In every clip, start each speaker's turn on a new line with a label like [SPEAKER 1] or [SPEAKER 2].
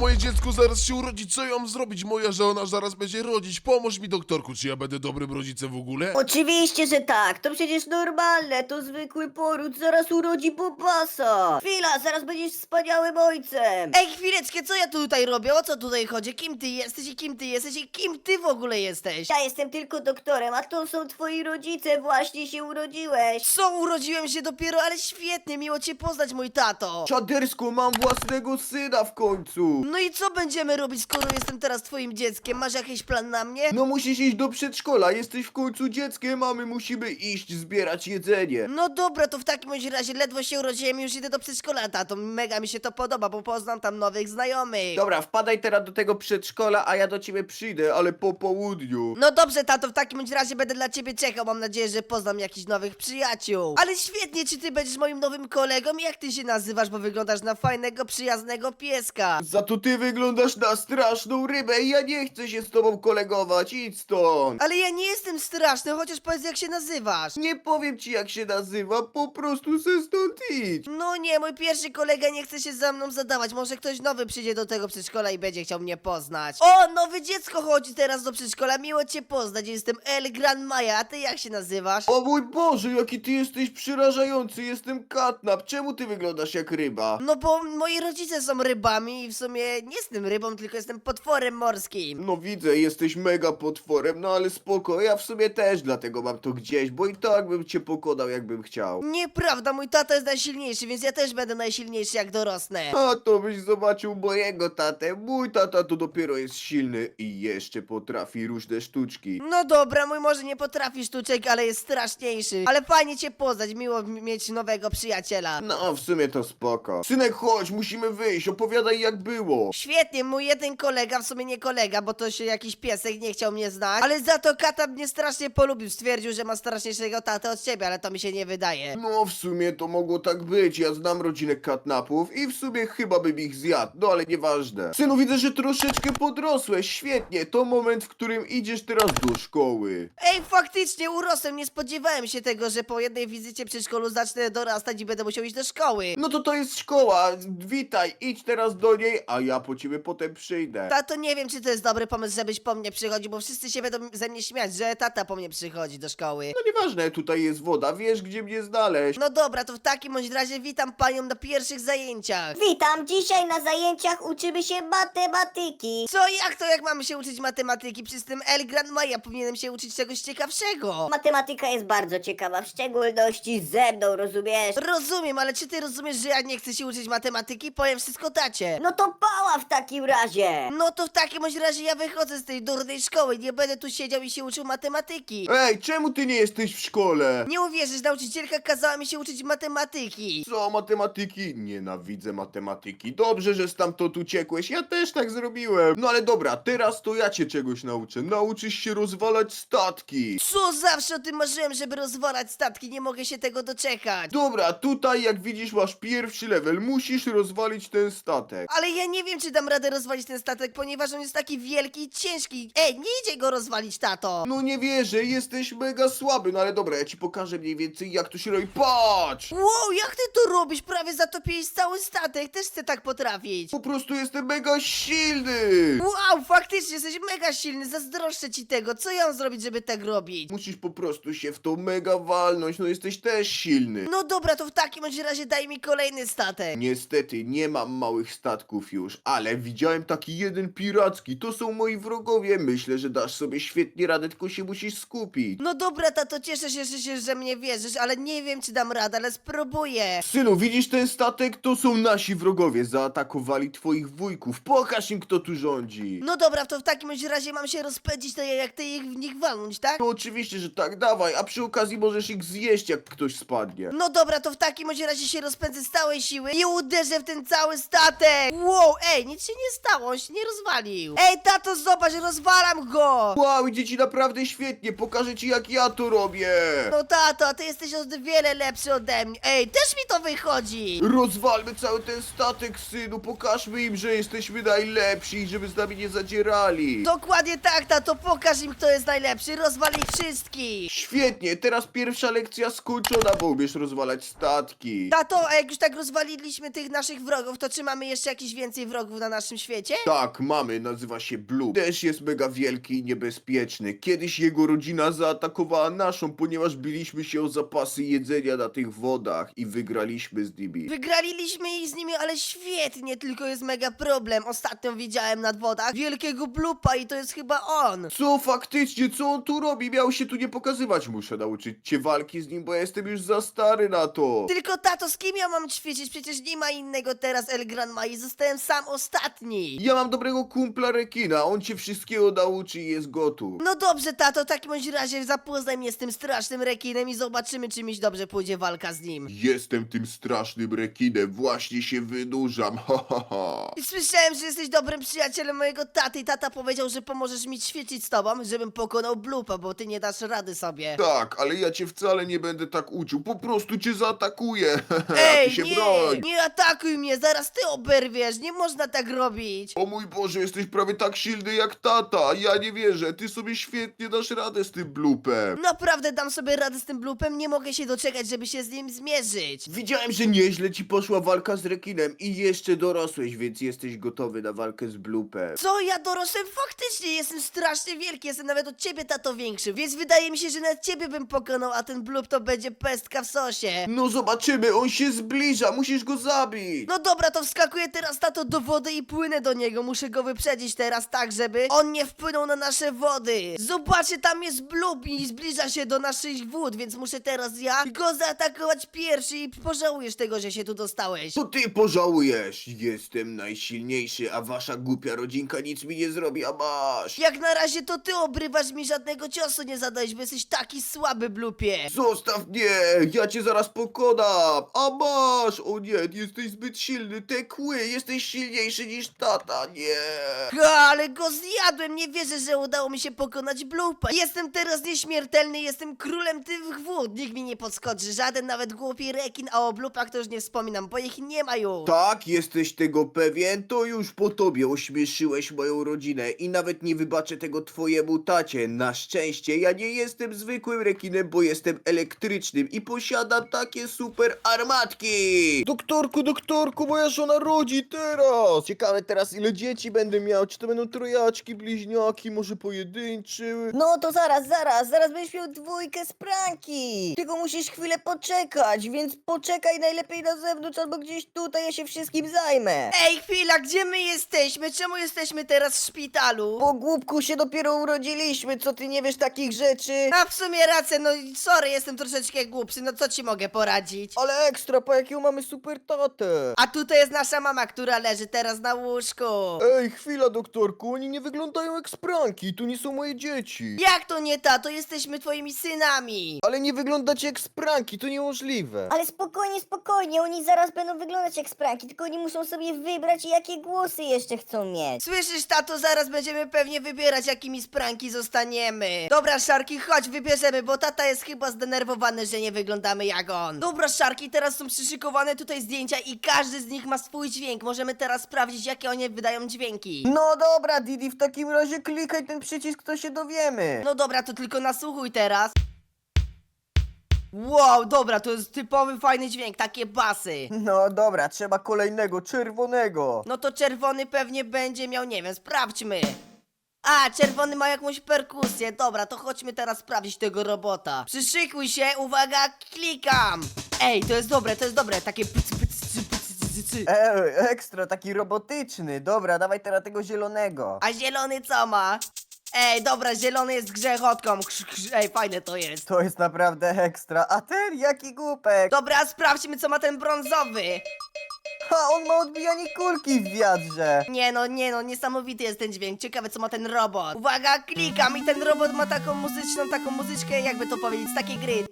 [SPEAKER 1] moje dziecko zaraz się urodzi, co ja mam zrobić? Moja żona zaraz będzie rodzić, pomóż mi doktorku, czy ja będę dobrym rodzicem w ogóle?
[SPEAKER 2] Oczywiście, że tak, to przecież normalne, to zwykły poród, zaraz urodzi Bobasa. Chwila, zaraz będziesz wspaniałym ojcem.
[SPEAKER 3] Ej, chwileczkę, co ja tutaj robię? O co tutaj chodzi? Kim ty jesteś i kim ty jesteś i kim ty w ogóle jesteś?
[SPEAKER 2] Ja jestem tylko doktorem, a to są twoi rodzice, właśnie się urodziłeś.
[SPEAKER 3] Co, urodziłem się dopiero, ale świetnie, miło cię poznać, mój tato.
[SPEAKER 4] Czadersko, mam własnego syna w końcu!
[SPEAKER 3] No i co będziemy robić, skoro jestem teraz twoim dzieckiem? Masz jakiś plan na mnie?
[SPEAKER 4] No musisz iść do przedszkola, jesteś w końcu dzieckiem, a my musimy iść zbierać jedzenie.
[SPEAKER 3] No dobra, to w takim bądź razie ledwo się urodziłem i już idę do przedszkola, tato. Mega mi się to podoba, bo poznam tam nowych znajomych.
[SPEAKER 4] Dobra, wpadaj teraz do tego przedszkola, a ja do ciebie przyjdę, ale po południu.
[SPEAKER 3] No dobrze, tato, w takim bądź razie będę dla ciebie czekał. Mam nadzieję, że poznam jakichś nowych przyjaciół. Ale świetnie, czy ty będziesz moim nowym kolegą? Jak ty się nazywasz, bo wyglądasz na fajnego, przyjaznego pieska.
[SPEAKER 4] Za to ty wyglądasz na straszną rybę i ja nie chcę się z tobą kolegować, idź stąd.
[SPEAKER 3] Ale ja nie jestem straszny, chociaż powiedz jak się nazywasz.
[SPEAKER 4] Nie powiem ci jak się nazywa, po prostu se stąd idź.
[SPEAKER 3] No nie, mój pierwszy kolega nie chce się ze mną zadawać. Może ktoś nowy przyjdzie do tego przedszkola i będzie chciał mnie poznać. O, nowe dziecko chodzi teraz do przedszkola. Miło cię poznać. Jestem El Gran Maja, a ty jak się nazywasz?
[SPEAKER 4] O mój Boże, jaki ty jesteś przerażający, jestem Katnap, czemu ty wyglądasz jak ryba?
[SPEAKER 3] No bo moi rodzice są rybami i w sumie nie jestem rybą, tylko jestem potworem morskim.
[SPEAKER 4] No widzę, jesteś mega potworem, no ale spoko, ja w sumie też dlatego mam to gdzieś, bo i tak bym cię pokonał jakbym chciał.
[SPEAKER 3] Nieprawda, mój tata jest najsilniejszy, więc ja też będę najsilniejszy jak dorosnę.
[SPEAKER 4] A to byś zobaczył mojego tatę, mój tata to dopiero jest silny i jeszcze potrafi różne sztuczki.
[SPEAKER 3] No dobra, mój może nie potrafi sztuczek, ale jest straszniejszy. Ale fajnie cię poznać, miło mieć nowego przyjaciela.
[SPEAKER 4] No, w sumie to spoko. Synek, chodź, musimy wyjść, opowiadaj jak było.
[SPEAKER 3] Świetnie, mój jeden kolega, w sumie nie kolega, bo to się jakiś piesek nie chciał mnie znać, ale za to kata mnie strasznie polubił, stwierdził, że ma straszniejszego tatę od ciebie, ale to mi się nie wydaje.
[SPEAKER 4] No, w sumie to mogło tak być, ja znam rodzinę katnapów i w sumie chyba bym ich zjadł, no ale nieważne. Synu, widzę, że troszeczkę podrosłeś, świetnie, to moment, w którym idziesz teraz do szkoły.
[SPEAKER 3] Ej, faktycznie urosłem, nie spodziewałem się tego, że po jednej wizycie przy szkolu zacznę dorastać i będę musiał iść do szkoły.
[SPEAKER 4] No to jest szkoła, witaj, idź teraz do niej, a ja po ciebie potem przyjdę.
[SPEAKER 3] Tato, nie wiem, czy to jest dobry pomysł, żebyś po mnie przychodził, bo wszyscy się będą ze mnie śmiać, że tata po mnie przychodzi do szkoły.
[SPEAKER 4] No nieważne, tutaj jest woda, wiesz gdzie mnie znaleźć.
[SPEAKER 3] No dobra, to w takim bądź razie witam panią na pierwszych zajęciach.
[SPEAKER 2] Witam, dzisiaj na zajęciach uczymy się matematyki.
[SPEAKER 3] Co, jak to, jak mamy się uczyć matematyki? Przy tym El Gran Maja powinienem się uczyć czegoś ciekawszego.
[SPEAKER 2] Matematyka jest bardzo ciekawa, w szczególności ze mną, rozumiesz?
[SPEAKER 3] Rozumiem, ale czy ty rozumiesz, że ja nie chcę się uczyć matematyki? Powiem wszystko tacie.
[SPEAKER 2] No to pała w takim razie.
[SPEAKER 3] No to w takim bądź razie ja wychodzę z tej durnej szkoły, nie będę tu siedział i się uczył matematyki.
[SPEAKER 4] Ej, czemu ty nie jesteś w szkole?
[SPEAKER 3] Nie uwierzysz, nauczycielka kazała mi się uczyć matematyki.
[SPEAKER 4] Co, matematyki? Nienawidzę matematyki. Dobrze, że stamtąd uciekłeś, ja też tak zrobiłem. No ale dobra, teraz to ja cię czegoś nauczę. Nauczysz się rozwalać statki.
[SPEAKER 3] Co, zawsze o tym marzyłem, żeby rozwalać statki, nie mogę się tego doczekać.
[SPEAKER 4] Dobra, tutaj jak widzisz masz pierwszy level, musisz rozwalić ten statek.
[SPEAKER 3] Ale ja nie wiem, czy dam radę rozwalić ten statek, ponieważ on jest taki wielki i ciężki. Ej, nie idzie go rozwalić, tato.
[SPEAKER 4] No nie wierzę, jesteś mega słaby, no ale dobra, ja ci pokażę mniej więcej jak to się robi. Patrz!
[SPEAKER 3] Wow, jak ty to robisz? Prawie zatopiłeś cały statek, też chcę tak potrafić.
[SPEAKER 4] Po prostu jestem mega silny!
[SPEAKER 3] Wow, faktycznie jesteś mega silny, zazdroszczę ci tego. Co ja mam zrobić, żeby tak robić?
[SPEAKER 4] Musisz po prostu się w to mega walnąć, no jesteś też silny.
[SPEAKER 3] No dobra, to w takim bądź razie daj mi kolejny statek.
[SPEAKER 4] Niestety nie mam małych statków już, ale widziałem taki jeden piracki, to są moi wrogowie, myślę, że dasz sobie świetnie radę, tylko się musisz skupić.
[SPEAKER 3] No dobra, tato, cieszę się, że mnie wierzysz, ale nie wiem, czy dam radę, ale spróbuję.
[SPEAKER 4] Synu, widzisz ten statek? To są nasi wrogowie, zaatakowali twoich wujków, pokaż im kto tu rządzi.
[SPEAKER 3] No dobra, to w takim bądź razie mam się rozpędzić, to jak ty ich w nich walnąć, tak?
[SPEAKER 4] No oczywiście, że tak, dawaj, a przy okazji możesz ich zjeść jak ktoś spadnie.
[SPEAKER 3] No dobra, to w takim bądź razie się rozpędzę z całej siły i uderzę w ten cały statek. Wow, ej, nic się nie stało, on się nie rozwalił. Ej, tato, zobacz, rozwalam go.
[SPEAKER 4] Wow, idzie ci naprawdę świetnie, pokażę ci jak ja to robię.
[SPEAKER 3] No tato, a ty jesteś o wiele lepszy ode mnie. Ej, też mi to wychodzi.
[SPEAKER 4] Rozwalmy cały ten statek, synu, pokażmy im, że jesteśmy najlepsi i żeby z nami nie zadzierali.
[SPEAKER 3] Dokładnie tak, tato, pokaż im, kto jest najlepszy, rozwal ich wszystkich.
[SPEAKER 4] Świetnie, teraz pierwsza lekcja skończona, bo umiesz rozwalać statki.
[SPEAKER 3] Tato, a jak już tak rozwaliliśmy tych naszych wrogów, to czy mamy jeszcze jakiś więcej wrogów? wrogów na naszym świecie?
[SPEAKER 4] Tak, mamy, nazywa się Blue. Też jest mega wielki i niebezpieczny. Kiedyś jego rodzina zaatakowała naszą, ponieważ biliśmy się o zapasy jedzenia na tych wodach i wygraliśmy z nimi.
[SPEAKER 3] Wygraliśmy ich z nimi, ale świetnie, tylko jest mega problem. Ostatnio widziałem nad wodach wielkiego blupa i to jest chyba on.
[SPEAKER 4] Co faktycznie, co on tu robi? Miał się tu nie pokazywać. Muszę nauczyć cię walki z nim, bo ja jestem już za stary na to.
[SPEAKER 3] Tylko tato, z kim ja mam ćwiczyć? Przecież nie ma innego teraz El Gran Mai, zostałem sam ostatni.
[SPEAKER 4] Ja mam dobrego kumpla rekina, on cię wszystkiego nauczy i jest gotów.
[SPEAKER 3] No dobrze, tato, w takim bądź razie zapoznaj mnie z tym strasznym rekinem i zobaczymy, czy miś dobrze pójdzie walka z nim.
[SPEAKER 4] Jestem tym strasznym rekinem, właśnie się wynurzam, ha ha ha.
[SPEAKER 3] I słyszałem, że jesteś dobrym przyjacielem mojego taty i tata powiedział, że pomożesz mi ćwiczyć z tobą, żebym pokonał Blupa, bo ty nie dasz rady sobie.
[SPEAKER 4] Tak, ale ja cię wcale nie będę tak uczył, po prostu cię zaatakuję.
[SPEAKER 3] Ej,
[SPEAKER 4] Ty się
[SPEAKER 3] nie,
[SPEAKER 4] broń.
[SPEAKER 3] nie atakuj mnie, zaraz ty oberwiesz, nie można tak robić.
[SPEAKER 4] O mój Boże, jesteś prawie tak silny jak tata, ja nie wierzę, ty sobie świetnie dasz radę z tym blupem.
[SPEAKER 3] Naprawdę dam sobie radę z tym Blupem, nie mogę się doczekać, żeby się z nim zmierzyć.
[SPEAKER 4] Widziałem, że nieźle ci poszła walka z rekinem i jeszcze dorosłeś, więc jesteś gotowy na walkę z blupem.
[SPEAKER 3] Co, ja dorosłem? Faktycznie jestem strasznie wielki, jestem nawet od ciebie, tato, większy, więc wydaje mi się, że nawet ciebie bym pokonał, a ten Blup to będzie pestka w sosie.
[SPEAKER 4] No zobaczymy, on się zbliża, musisz go zabić.
[SPEAKER 3] No dobra, to wskakuję teraz, tato, do wody i płynę do niego. Muszę go wyprzedzić teraz tak, żeby on nie wpłynął na nasze wody. Zobaczcie, tam jest Blub i zbliża się do naszych wód, więc muszę teraz ja go zaatakować pierwszy i pożałujesz tego, że się tu dostałeś.
[SPEAKER 4] To ty pożałujesz, jestem najsilniejszy, a wasza głupia rodzinka nic mi nie zrobi, a masz.
[SPEAKER 3] Jak na razie to ty obrywasz, mi żadnego ciosu nie zadałeś, bo jesteś taki słaby, Blupie.
[SPEAKER 4] Zostaw mnie, ja cię zaraz pokonam, a masz. O nie, jesteś zbyt silny, te kły, jesteś silniejszy niż tata, nie.
[SPEAKER 3] Ale go zjadłem, nie wierzę, że udało mi się pokonać Blupa. Jestem teraz nieśmiertelny, jestem królem tych wód. Nikt mi nie podskoczy, żaden nawet głupi rekin, a o Blupach to już nie wspominam, bo ich nie ma już.
[SPEAKER 4] Tak, jesteś tego pewien? To już po tobie ośmieszyłeś moją rodzinę i nawet nie wybaczę tego twojemu tacie. Na szczęście ja nie jestem zwykłym rekinem, bo jestem elektrycznym i posiadam takie super armatki. Doktorku, moja żona rodzi teraz. Ciekawe teraz ile dzieci będę miał, czy to będą trojaczki, bliźniaki, może pojedynczy.
[SPEAKER 2] No to zaraz będziesz miał dwójkę z pranki. Tylko musisz chwilę poczekać, więc poczekaj najlepiej na zewnątrz albo gdzieś tutaj, ja się wszystkim zajmę.
[SPEAKER 3] Ej, chwila, gdzie my jesteśmy? Czemu jesteśmy teraz w szpitalu?
[SPEAKER 2] Po głupku się dopiero urodziliśmy, co ty nie wiesz takich rzeczy?
[SPEAKER 3] A w sumie rację, no sorry, jestem troszeczkę głupszy, no co ci mogę poradzić?
[SPEAKER 2] Ale ekstra, po jakiego mamy super tatę.
[SPEAKER 3] A tutaj jest nasza mama, która leży teraz na łóżku.
[SPEAKER 4] Ej, chwila doktorku, oni nie wyglądają jak spranki, tu nie są moje dzieci.
[SPEAKER 3] Jak to nie tato? Jesteśmy twoimi synami.
[SPEAKER 4] Ale nie wyglądacie jak spranki, to niemożliwe.
[SPEAKER 2] Ale spokojnie, oni zaraz będą wyglądać jak spranki, tylko oni muszą sobie wybrać jakie głosy jeszcze chcą mieć.
[SPEAKER 3] Słyszysz, tato, zaraz będziemy pewnie wybierać, jakimi spranki zostaniemy. Dobra, Szarki, chodź, wybierzemy, bo tata jest chyba zdenerwowany, że nie wyglądamy jak on. Dobra, Szarki, teraz są przyszykowane tutaj zdjęcia i każdy z nich ma swój dźwięk. Możemy teraz sprawdzić, jakie oni wydają dźwięki.
[SPEAKER 2] No dobra, Didi, w takim razie klikaj ten przycisk, to się dowiemy.
[SPEAKER 3] No dobra, to tylko nasłuchuj teraz. Wow, dobra, to jest typowy fajny dźwięk, takie basy.
[SPEAKER 2] No dobra, trzeba kolejnego, czerwonego.
[SPEAKER 3] No to czerwony pewnie będzie miał, nie wiem, sprawdźmy. A, czerwony ma jakąś perkusję. Dobra, to chodźmy teraz sprawdzić tego robota. Przyszykuj się, uwaga, klikam. Ej, to jest dobre, takie pyc, pyc, cy, pyc, cy, cy.
[SPEAKER 2] Ekstra, taki robotyczny. Dobra, dawaj teraz tego zielonego.
[SPEAKER 3] A zielony co ma? Ej, dobra, zielony jest grzechotką. Ej, fajne to jest.
[SPEAKER 2] To jest naprawdę ekstra. A ten jaki głupek.
[SPEAKER 3] Dobra, sprawdźmy, co ma ten brązowy.
[SPEAKER 2] Ha, on ma odbijanie kulki w wiatrze.
[SPEAKER 3] Nie no, niesamowity jest ten dźwięk. Ciekawe, co ma ten robot. Uwaga, klikam i ten robot ma taką muzyczkę, jakby to powiedzieć, z takiej gry.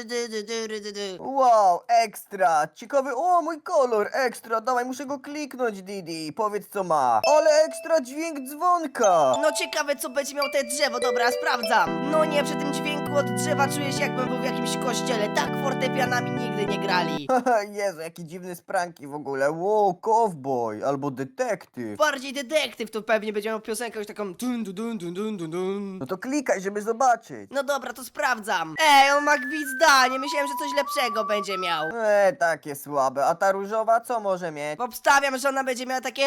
[SPEAKER 2] Wow, ekstra. Ciekawy, o mój kolor, ekstra. Dawaj, muszę go kliknąć, Didi. Powiedz co ma. Ale ekstra dźwięk dzwonka.
[SPEAKER 3] No ciekawe, co będzie miał te drzewo, dobra, sprawdzam. No nie, przy tym dźwięku od drzewa czuję się, jakbym był w jakimś kościele. Tak fortepianami nigdy nie grali.
[SPEAKER 2] Haha, Jezu, jaki dziwny spranki w ogóle.
[SPEAKER 5] wow, cowboy albo detektyw.
[SPEAKER 3] Bardziej detektyw, to pewnie będzie miał piosenkę już taką dun dun dun dun dun dun dun.
[SPEAKER 5] No to klikaj, żeby zobaczyć.
[SPEAKER 3] No dobra, to sprawdzam. Ej, on ma gwizdanie, myślałem, że coś lepszego będzie miał.
[SPEAKER 5] Takie słabe. A ta różowa co może mieć?
[SPEAKER 3] Obstawiam, że ona będzie miała takie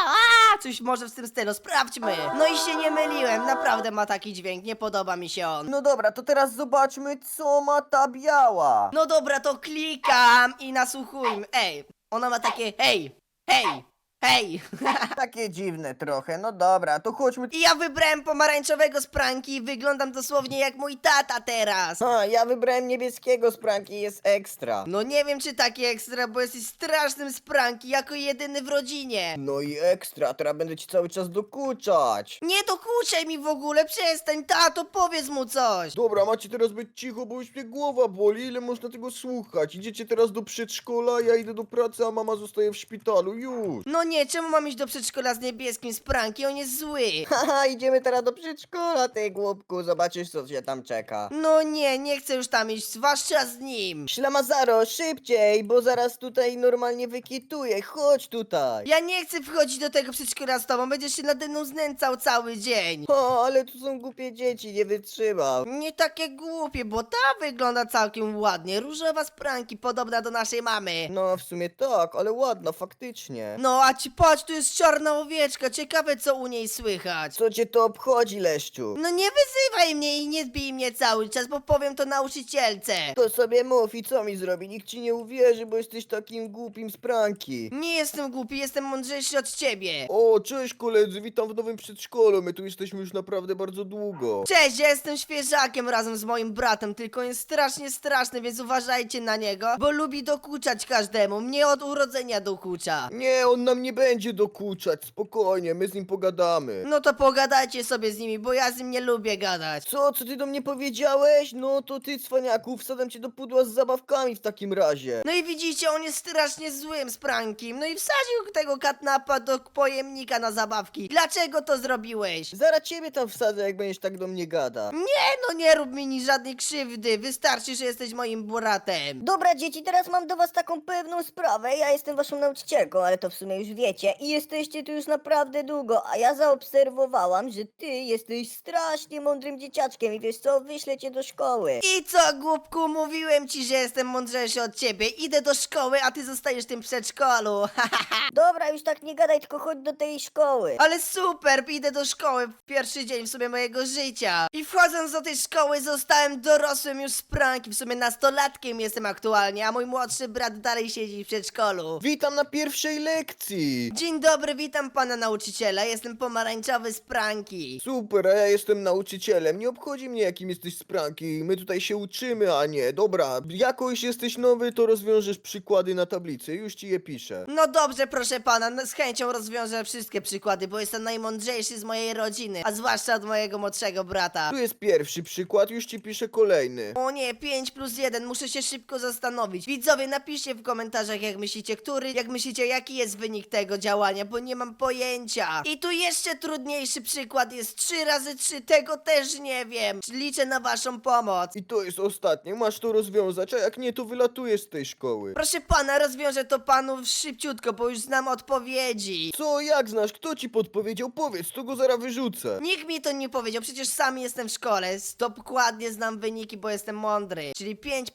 [SPEAKER 3] coś może w tym stylu, sprawdźmy. No i się nie myliłem, naprawdę ma taki dźwięk, nie podoba mi się on.
[SPEAKER 5] No dobra, to teraz zobaczmy, co ma ta biała.
[SPEAKER 3] No dobra, to klikam i nasłuchujmy. Ej, ona ma takie hej, hej, hej.
[SPEAKER 5] Takie dziwne trochę. No dobra, to chodźmy.
[SPEAKER 3] I ja wybrałem pomarańczowego z pranki i wyglądam dosłownie jak mój tata teraz.
[SPEAKER 5] Ja wybrałem niebieskiego z pranki, jest ekstra.
[SPEAKER 3] No nie wiem czy taki ekstra, bo jesteś strasznym z pranki, jako jedyny w rodzinie.
[SPEAKER 5] No i ekstra, teraz będę ci cały czas dokuczać.
[SPEAKER 3] Nie dokuczaj mi w ogóle, przestań, tato, powiedz mu coś.
[SPEAKER 4] Dobra, macie teraz być cicho, bo już mnie głowa boli, ile można tego słuchać? Idziecie teraz do przedszkola, ja idę do pracy, a mama zostaje w szpitalu, już.
[SPEAKER 3] No nie, czemu mam iść do przedszkola z niebieskim z pranki, on jest zły.
[SPEAKER 5] Haha, idziemy teraz do przedszkola, ty głupku, zobaczysz co cię tam czeka.
[SPEAKER 3] No nie, nie chcę już tam iść, zwłaszcza z nim.
[SPEAKER 5] Ślamazaro, szybciej, bo zaraz tutaj normalnie wykituję, chodź tutaj.
[SPEAKER 3] Ja nie chcę wchodzić do tego przedszkola z tobą, będziesz się nade mną znęcał cały dzień.
[SPEAKER 5] Ale tu są głupie dzieci, nie wytrzymam.
[SPEAKER 3] Nie takie głupie, bo ta wygląda całkiem ładnie, różowa z pranki, podobna do naszej mamy.
[SPEAKER 5] No w sumie tak, ale ładna, faktycznie.
[SPEAKER 3] No a ci patrz, tu jest czarna owieczka, ciekawe co u niej słychać.
[SPEAKER 5] Co cię to obchodzi, Leszczu?
[SPEAKER 3] No nie wyzywaj mnie i nie zbij mnie cały czas, bo powiem to nauczycielce.
[SPEAKER 5] To sobie mów i co mi zrobi? Nikt ci nie uwierzy, bo jesteś takim głupim z pranki.
[SPEAKER 3] Nie jestem głupi, jestem mądrzejszy od ciebie.
[SPEAKER 4] O, cześć koledzy, witam w nowym przedszkolu, my tu jesteśmy już naprawdę bardzo długo.
[SPEAKER 3] Cześć, ja jestem świeżakiem razem z moim bratem, tylko jest strasznie straszny, więc uważajcie na niego, bo lubi dokuczać każdemu, mnie od urodzenia dokucza.
[SPEAKER 4] Nie, on nam nie będzie dokuczać, spokojnie, my z nim pogadamy.
[SPEAKER 3] No to pogadajcie sobie z nimi, bo ja z nim nie lubię gadać.
[SPEAKER 5] Co ty do mnie powiedziałeś? No to ty, cwaniaku, wsadzam cię do pudła z zabawkami w takim razie.
[SPEAKER 3] No i widzicie, on jest strasznie złym z prankiem, no i wsadził tego katnapa do pojemnika na zabawki. Dlaczego to zrobiłeś?
[SPEAKER 5] Zaraz ciebie tam wsadzę, jak będziesz tak do mnie gada.
[SPEAKER 3] No nie rób mi ni żadnej krzywdy, wystarczy, że jesteś moim bratem.
[SPEAKER 2] Dobra dzieci, teraz mam do was taką pewną sprawę. Ja jestem waszą nauczycielką, ale to w sumie już wiecie. I jesteście tu już naprawdę długo, a ja zaobserwowałam, że ty jesteś strasznie mądrym dzieciaczkiem i wiesz co, wyślę cię do szkoły.
[SPEAKER 3] I co, głupku, mówiłem ci, że jestem mądrzejszy od ciebie. Idę do szkoły, a ty zostajesz w tym przedszkolu.
[SPEAKER 2] Dobra, już tak nie gadaj, tylko chodź do tej szkoły.
[SPEAKER 3] Ale super, idę do szkoły w pierwszy dzień w sumie mojego życia. I wchodząc do tej szkoły zostałem dorosłym już z pranki, w sumie nastolatkiem jestem aktualnie, a mój młodszy brat dalej siedzi w przedszkolu.
[SPEAKER 4] Witam na pierwszej lekcji.
[SPEAKER 3] Dzień dobry, witam pana nauczyciela, jestem pomarańczowy z pranki.
[SPEAKER 4] Super, a ja jestem nauczycielem, nie obchodzi mnie jakim jesteś z pranki, my tutaj się uczymy, a nie, dobra, jakoś jesteś nowy, to rozwiążesz przykłady na tablicy, już ci je piszę.
[SPEAKER 3] No dobrze, proszę pana, z chęcią rozwiążę wszystkie przykłady, bo jestem najmądrzejszy z mojej rodziny, a zwłaszcza od mojego młodszego brata.
[SPEAKER 4] Tu jest pierwszy przykład, już ci piszę kolejny.
[SPEAKER 3] O nie, 5+1, muszę się szybko zastanowić. Widzowie, napiszcie w komentarzach, jak myślicie, jaki jest wynik tego działania, bo nie mam pojęcia. I tu jeszcze trudniejszy przykład jest 3 razy 3, tego też nie wiem. Liczę na waszą pomoc.
[SPEAKER 4] I to jest ostatnie, masz to rozwiązać, a jak nie, to wylatujesz z tej szkoły.
[SPEAKER 3] Proszę pana, rozwiążę to panu szybciutko, bo już znam odpowiedzi.
[SPEAKER 4] Co, jak znasz, kto ci podpowiedział? Powiedz, to go zaraz wyrzucę.
[SPEAKER 3] Nikt mi to nie powiedział, przecież sam jestem w szkole. Dokładnie znam wyniki, bo jestem mądry. Czyli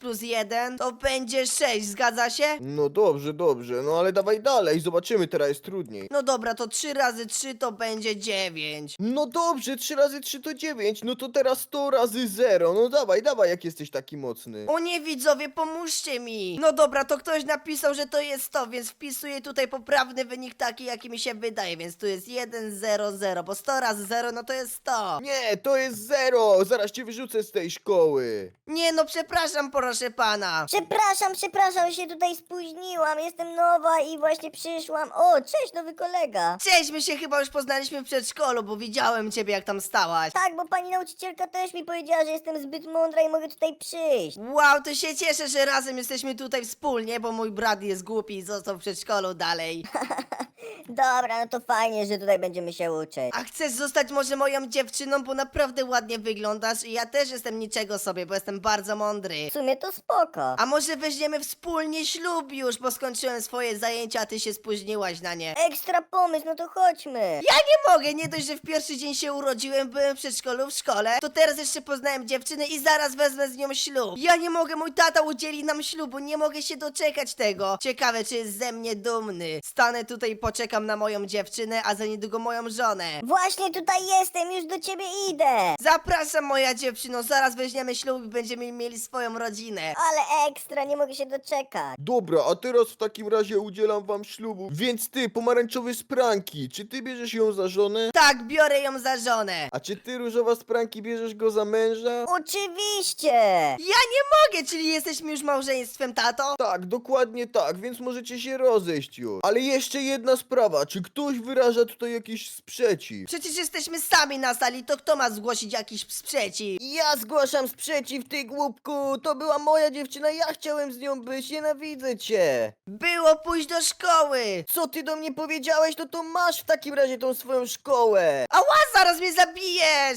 [SPEAKER 3] 5+1 to będzie 6, zgadza się?
[SPEAKER 4] No dobrze, dobrze, no ale dawaj dalej, zobaczymy, teraz jest trudniej.
[SPEAKER 3] No dobra, to 3 razy 3 to będzie 9.
[SPEAKER 4] No dobrze, 3 razy 3 to 9, no to teraz 100 razy 0, no dawaj, dawaj, jak jesteś taki mocny.
[SPEAKER 3] O nie, widzowie, pomóżcie mi! No dobra, to ktoś napisał, że to jest 100, więc wpisuję tutaj poprawny wynik taki, jaki mi się wydaje, więc tu jest 1, 0, 0, bo 100 razy 0, no to jest 100.
[SPEAKER 4] Nie, to jest 0, zaraz cię wyrzucę z tej szkoły.
[SPEAKER 3] Nie, no przepraszam, proszę pana.
[SPEAKER 2] Przepraszam, się tutaj spóźniłam. Jestem nowa i właśnie przyszłam. O, cześć, nowy kolega.
[SPEAKER 3] Cześć, my się chyba już poznaliśmy w przedszkolu, bo widziałem ciebie, jak tam stałaś.
[SPEAKER 2] Tak, bo pani nauczycielka też mi powiedziała, że jestem zbyt mądra i mogę tutaj przyjść.
[SPEAKER 3] Wow, to się cieszę, że razem jesteśmy tutaj wspólnie, bo mój brat jest głupi i został w przedszkolu dalej.
[SPEAKER 2] Dobra, no to fajnie, że tutaj będziemy się uczyć.
[SPEAKER 3] A chcesz zostać może moją dziewczyną, bo naprawdę ładnie wyglądasz i ja też jestem niczego sobie, bo jestem bardzo mądry.
[SPEAKER 2] W sumie to spoko.
[SPEAKER 3] A może weźmiemy wspólnie ślub już, bo skończyłem swoje zajęcia, a ty się spóźniłaś na nie.
[SPEAKER 2] Ekstra pomysł, no to chodźmy.
[SPEAKER 3] Ja nie mogę, nie dość, że w pierwszy dzień się urodziłem, byłem w przedszkolu, w szkole, to teraz jeszcze poznałem dziewczynę i zaraz wezmę z nią ślub. Ja nie mogę, mój tata udzieli nam ślubu, nie mogę się doczekać tego. Ciekawe, czy jest ze mnie dumny. Stanę tutaj i poczekam na moją dziewczynę, a za niedługo moją żonę.
[SPEAKER 2] Właśnie tutaj jestem, już do ciebie idę.
[SPEAKER 3] Zapraszam, moja dziewczyno, zaraz weźmiemy ślub i będziemy mieli swoją rodzinę.
[SPEAKER 2] Ale ekstra, nie mogę się doczekać.
[SPEAKER 4] Dobra, a teraz w takim razie udzielam wam ślubu. Więc ty, pomarańczowy z pranki, czy ty bierzesz ją za żonę?
[SPEAKER 3] Tak, biorę ją za żonę.
[SPEAKER 4] A czy ty, różowa z pranki, bierzesz go za męża?
[SPEAKER 2] Oczywiście.
[SPEAKER 3] Ja nie mogę, czyli jesteśmy już małżeństwem, tato?
[SPEAKER 4] Tak, dokładnie tak, więc możecie się rozejść już. Ale jeszcze jedna sprawa, czy ktoś wyraża tutaj jakiś sprzeciw?
[SPEAKER 3] Przecież jesteśmy sami na sali, to kto ma zgłosić jakiś sprzeciw?
[SPEAKER 5] Ja zgłaszam sprzeciw, ty głupku! To była moja dziewczyna, ja chciałem z nią być, nienawidzę cię!
[SPEAKER 3] Było pójść do szkoły.
[SPEAKER 5] Co ty do mnie powiedziałeś, no to masz w takim razie tą swoją szkołę!
[SPEAKER 3] Ała, zaraz mnie zabijesz!